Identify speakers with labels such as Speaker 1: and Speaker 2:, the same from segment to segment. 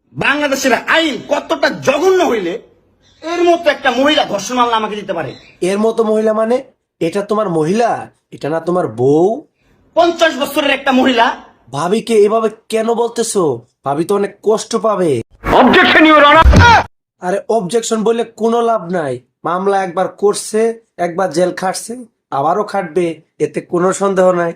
Speaker 1: বাংলাদেশের আইন কতটা জঘন্য হইলে এর মতো একটা মহিলা ধর্ষণ মামলা আমাকে দিতে পারে?
Speaker 2: এর মতো মহিলা মানে? এটা তোমার মহিলা, এটা না তোমার বউ?
Speaker 1: 50 বছরের একটা মহিলা।
Speaker 2: ভাবিকে এভাবে কেন বলতেছো? ভাবি তো অনেক কষ্ট পাবে।
Speaker 1: Objection your honour.
Speaker 2: আরে অবজেকশন বললে কোনো লাভ নাই। মামলা একবার করছে, একবার জেল খাটছে, আবারও খাটবে, এতে কোনো সন্দেহ নাই।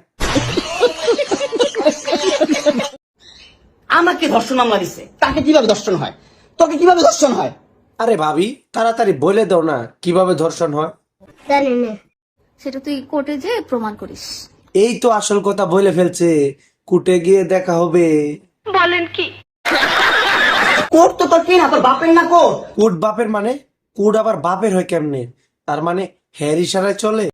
Speaker 1: আমাকে ধর্ষণ মামলা দিছে, তাকে কিভাবে ধর্ষণ হয়? তোকে কিভাবে ধর্ষণ হয়?
Speaker 2: আরে ভাবি তাড়াতাড়ি বলে দাও না কিভাবে ধর্ষণ হয়।
Speaker 3: জানি না।
Speaker 4: সেটা তুই কোর্টে যে প্রমাণ করিস।
Speaker 2: এই তো আসল কথা বলে ফেলছে, কুটে গিয়ে দেখা হবে।
Speaker 1: কোর্ট তো তোর কি না, তোর বাপের না কোর্ট?
Speaker 2: কুট বাপের মানে? কুট আবার বাপের হয় কেমনে? তার মানে হের ইশারায় চলে?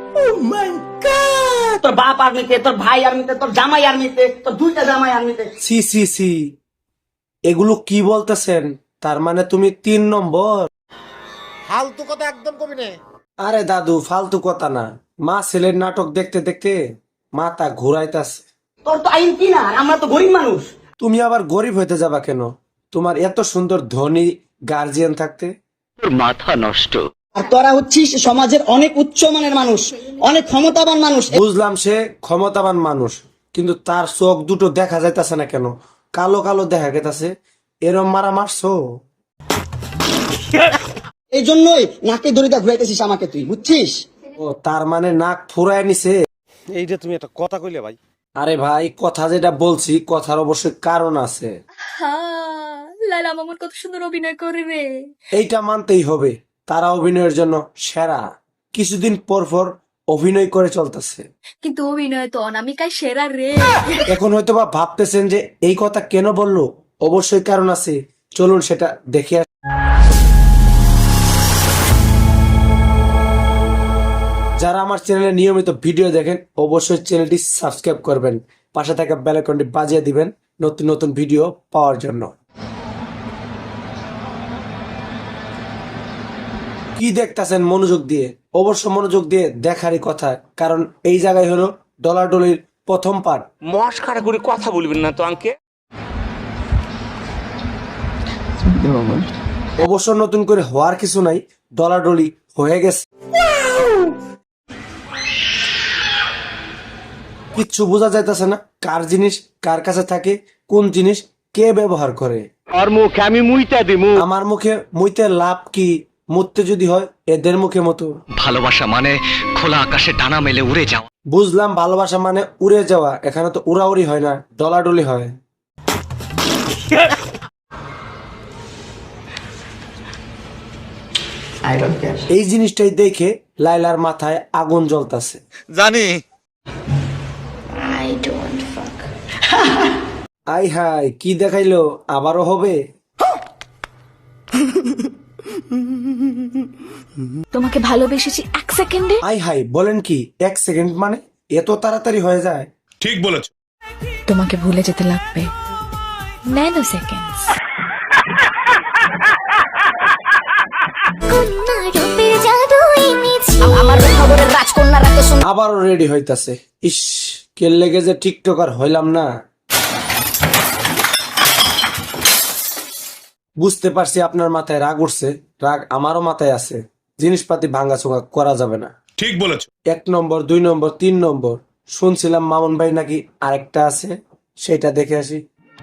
Speaker 1: তোর বাপ আর্মিতে, তোর ভাই আর্মিতে, তোর জামাই আর্মিতে, তোর দুইটা জামাই আর্মিতে।
Speaker 2: সি সি সি, এগুলো কি বলতেছেন? তার মানে তুমি 3 নম্বর?
Speaker 5: ফালতু কথা একদম কবি নে।
Speaker 2: আরে দাদু ফালতু কথা না, মা ছেলের নাটক দেখতে দেখতে মাথা ঘুরাইতাছে।
Speaker 1: তোর তো আইন কি না, আর আমরা তো গরিব মানুষ।
Speaker 2: তুমি আবার গরিব হইতে যাবা কেন? তোমার এত সুন্দর ধনী গার্জিয়ান থাকতে।
Speaker 1: আর তোরা হচ্ছিস সমাজের অনেক উচ্চমানের মানুষ, অনেক ক্ষমতাবান মানুষ।
Speaker 2: বুঝলাম সে ক্ষমতাবান মানুষ, কিন্তু তার চোখ দুটো দেখা যাইতাছে না কেন? কালো কালো দেখা গেতাছে। এরম মারা মারছো?
Speaker 1: এই জন্যই নাকে দড়িটা ঘুরাইতেছিস আমাকে, তুই বুঝছিস?
Speaker 2: ও তার মানে নাক ফুরায় নিছে।
Speaker 5: এইটা তুমি একটা কথা কইলে ভাই।
Speaker 2: আরে ভাই কথা যেটা বলছি, কথার অবশ্যই কারণ আছে।
Speaker 4: লালা মামুন কত সুন্দর অভিনয় করে রে।
Speaker 2: এইটা মানতেই হবে, তারা অভিনয়ের জন্য সেরা। কিছুদিন পর পর অভিনয় করে চলতেছে।
Speaker 4: কিন্তু অভিনয় তো অনামিকায় সেরা রে।
Speaker 2: এখন হয়তো বা ভাবতেছেন যে এই কথা কেন বললো, অবশ্যই কারণ আছে, চলুন সেটা দেখে আসি। যারা আমার চ্যানেলে নিয়মিত ভিডিও দেখেন অবশ্যই চ্যানেলটি সাবস্ক্রাইব করবেন, পাশে থাকা বেল আইকনটি বাজিয়ে দিবেন নতুন নতুন ভিডিও পাওয়ার জন্য। কি দেখতাছেন মনোযোগ দিয়ে? অবশ্য মনোযোগ দিয়ে দেখারই কথা, কারণ এই জায়গায় হলো ডলাডলির প্রথম পার্ট।
Speaker 6: মস্কারা করে কথা বলবেন না তো আঙ্কে।
Speaker 2: অবশ্য নতুন করে হওয়ার কিছু নাই, ডলাডলি হয়ে গেছে। কিচ্ছু বোঝা যাইতেছে না কার জিনিস কার কাছে থাকে, কোন জিনিস কে ব্যবহার করে।
Speaker 6: আর মুখে আমি মুইতা দিমু।
Speaker 2: আমার মুখে মুইতে লাভ কি? মুততে যদি হয় এদের মুখে মতো।
Speaker 7: ভালোবাসা মানে খোলা আকাশে ডানা মেলে উড়ে যাওয়া।
Speaker 2: বুঝলাম ভালোবাসা মানে উড়ে যাওয়া, এখানে তো উড়াউড়ি হয় না, ডলাডলি হয়। এই জিনিসটাই দেখে লাইলার মাথায় আগুন জ্বলতাছে।
Speaker 5: জানি
Speaker 2: আই হাই কি দেখাইলো, আবারও হবে?
Speaker 4: তোমাকে ভালোবেসেছি 1 সেকেন্ডে।
Speaker 2: আই হাই বলেন কি? 1 সেকেন্ড মানে এত তাড়াতাড়ি হয়ে যায়?
Speaker 4: তোমাকে ভুলে যেতে লাগবে ন্যানো সেকেন্ডস। আমার খবরের রাজকন্যারা তো
Speaker 2: আবারও রেডি হইতাছে। ইস কে লেগে যে টিকটকার হইলাম না। বুঝতে পারছি আপনার মাথায় রাগ উঠছে, রাগ আমারও মাথায় আছে। জিনিসপাতি ভাঙাচোঙা করা যাবে না।
Speaker 8: ঠিক বলেছ।
Speaker 2: 1 নম্বর 2 নম্বর 3 নম্বর, শুনছিলাম মামুন ভাই নাকি আরেকটা আছে, সেটা দেখে আসি।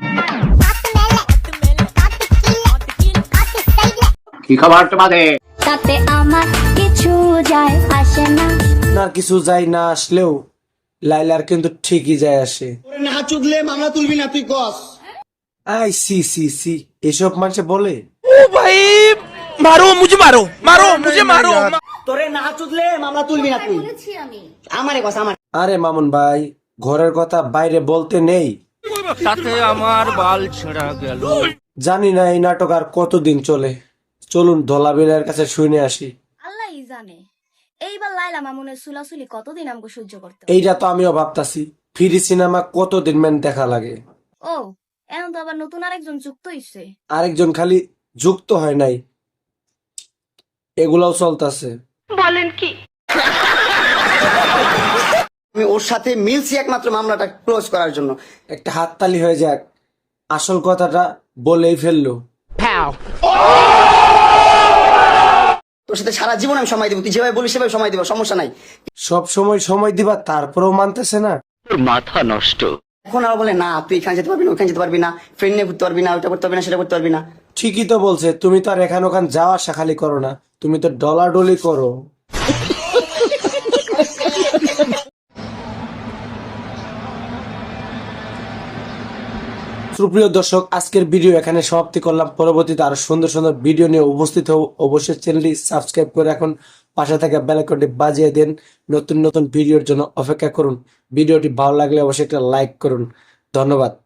Speaker 6: কি খবর তোমাদের?
Speaker 3: তাতে আমার কিছু যায় আসে না।
Speaker 2: আপনার কিছু যায় না আসলেও লাইলার কিন্তু ঠিকই যায় আসে।
Speaker 1: তোরে না চুদলে মামলা তুলবি না, তুই কস।
Speaker 2: আই সি সি সি, এসব মানুষে বলে?
Speaker 1: তোরে না চুদলে মামলা তুলবি না তুই। আমারে কস, আমার।
Speaker 2: আরে মামুন ভাই ঘরের কথা বাইরে বলতে নেই।
Speaker 6: তাতে আমার বাল ছেঁড়া গেল।
Speaker 2: জানি না এই নাটক আর কতদিন চলে, চলুন ধলাবিলের কাছে শুনে আসি।
Speaker 4: আল্লাহই জানে এইবার লাইলা মামুনের সুলাসুলি কতদিন আমাকে সহ্য করতে হবে।
Speaker 2: এইটা তো আমিও ভাবতাছি, ফ্রি সিনেমা কতদিন মেন দেখা লাগে।
Speaker 4: ও এখন তো আবার নতুন আরেকজন যুক্ত হইছে।
Speaker 2: আরেকজন খালি যুক্ত হয় নাই, এগুলাও চলতেছে।
Speaker 1: আমি ওর সাথে মিলছি একমাত্র মামলাটা ক্লোজ করার জন্য।
Speaker 2: একটা হাততালি হয়ে যাক। আসল কথাটা বলেই ফেললো।
Speaker 1: তোর সাথে সারা জীবন আমি সময় দেবো, তুই যেভাবে বলিস সেভাবে সময় দেবো, সমস্যা নাই।
Speaker 2: সব সময় দিবা, তারপরেও মানতেছে না।
Speaker 6: তোর মাথা নষ্ট।
Speaker 1: এখন আর বলে না তুই এখানে যেতে পারবি না, ওখানে যেতে পারবি না, ফ্রেন্ড নিয়ে ঘুরতে পারবি না, ওটা করতে পারবি না, সেটা করতে পারবি না।
Speaker 2: ঠিকই তো বলছে, তুমি তো আর এখান ওখান যাওয়া আসা খালি করো না, তুমি তো ডলাডলি করো। সুপ্রিয় দর্শক, আজকের ভিডিও এখানে সমাপ্তি করলাম। পরবর্তীতে আরো সুন্দর সুন্দর ভিডিও নিয়ে উপস্থিত হব। অবশ্যই চ্যানেলটি সাবস্ক্রাইব করে এখন পাশে থাকা বেল আইকনটি বাজিয়ে দেন। নতুন নতুন ভিডিওর জন্য অপেক্ষা করুন। ভিডিওটি ভালো লাগলে অবশ্যই একটা লাইক করুন। ধন্যবাদ।